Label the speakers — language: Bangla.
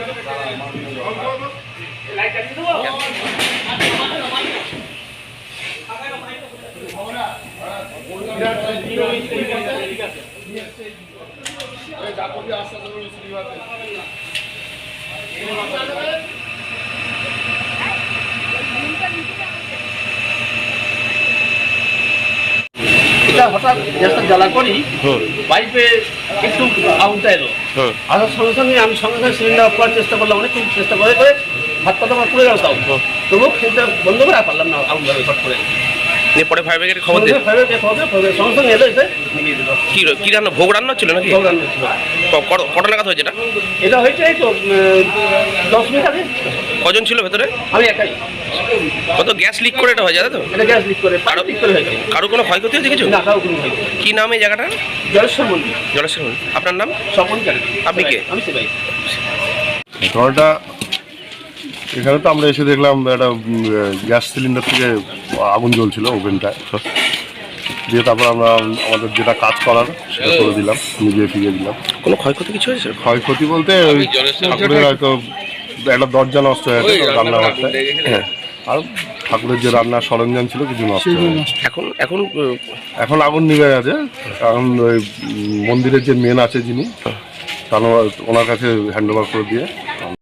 Speaker 1: হঠাৎ গ্যাসটা জ্বালা করি পাইপে একটু আগুনটা এলো, আসার সঙ্গে সঙ্গে আমি সঙ্গে সঙ্গে সিলিন্ডার অফ করার চেষ্টা করলাম, অনেক চেষ্টা করে করে হাত পাতা আমার পুড়ে গেল, তাও তবুও সেটা বন্ধ করে পারলাম না, আগুন ধরে ফট করে।
Speaker 2: পরে ফায়ার ব্রিগেডে খবর দিয়ে
Speaker 1: সঙ্গে সঙ্গে এলো, এসে নিয়ে দিল।
Speaker 2: কি রান্না, ভোগ রান্না ছিল নাকি?
Speaker 1: ভোগ রান্না ছিল।
Speaker 2: কটা নাগাদ হয়েছে এটা?
Speaker 1: এটা হয়েছে এই তো 10 মিনিট আগে।
Speaker 2: কজন ছিল ভেতরে?
Speaker 1: আমি একাই।
Speaker 2: কত গ্যাস লিক করে এটা হয়ে যায় তো?
Speaker 1: এটা গ্যাস লিক করে, পাইপ লিক করে হয়েছে।
Speaker 2: কারো কোনো ক্ষয়ক্ষতি হয়েছে কিছু?
Speaker 1: না, কারো কোনো ক্ষয়ক্ষতি।
Speaker 2: কি নাম এই জায়গাটা?
Speaker 1: জলেশ্বর মন্দির।
Speaker 2: জলেশ্বর মন্দির। আপনার নাম?
Speaker 1: স্বপন কালী।
Speaker 2: আপনি কে?
Speaker 1: আমি সেবাই।
Speaker 3: ঘটনাটা এখানে তো আমরা এসে দেখলাম একটা গ্যাস সিলিন্ডার থেকে আগুন জ্বলছিল ওভেনটায়, দিয়ে তারপর আমরা আমাদের যেটা কাজ করার সেটা করে দিলাম, নিজে ফিরিয়ে দিলাম।
Speaker 2: কোনো ক্ষয়ক্ষতি কিছু হয়েছে?
Speaker 3: ক্ষয়ক্ষতি বলতে ওই ঠাকুরের হয়তো একটা দরজা নষ্ট হয়ে গেছে রান্নাঘরটা, হ্যাঁ, আর ঠাকুরের যে রান্নার সরঞ্জাম ছিল কিছু নষ্ট হয়ে গেছে। এখন আগুন নিভে গেছে। এখন ওই মন্দিরের যে মেন আছে যিনি, ওনার কাছে হ্যান্ড ওভার করে দিয়ে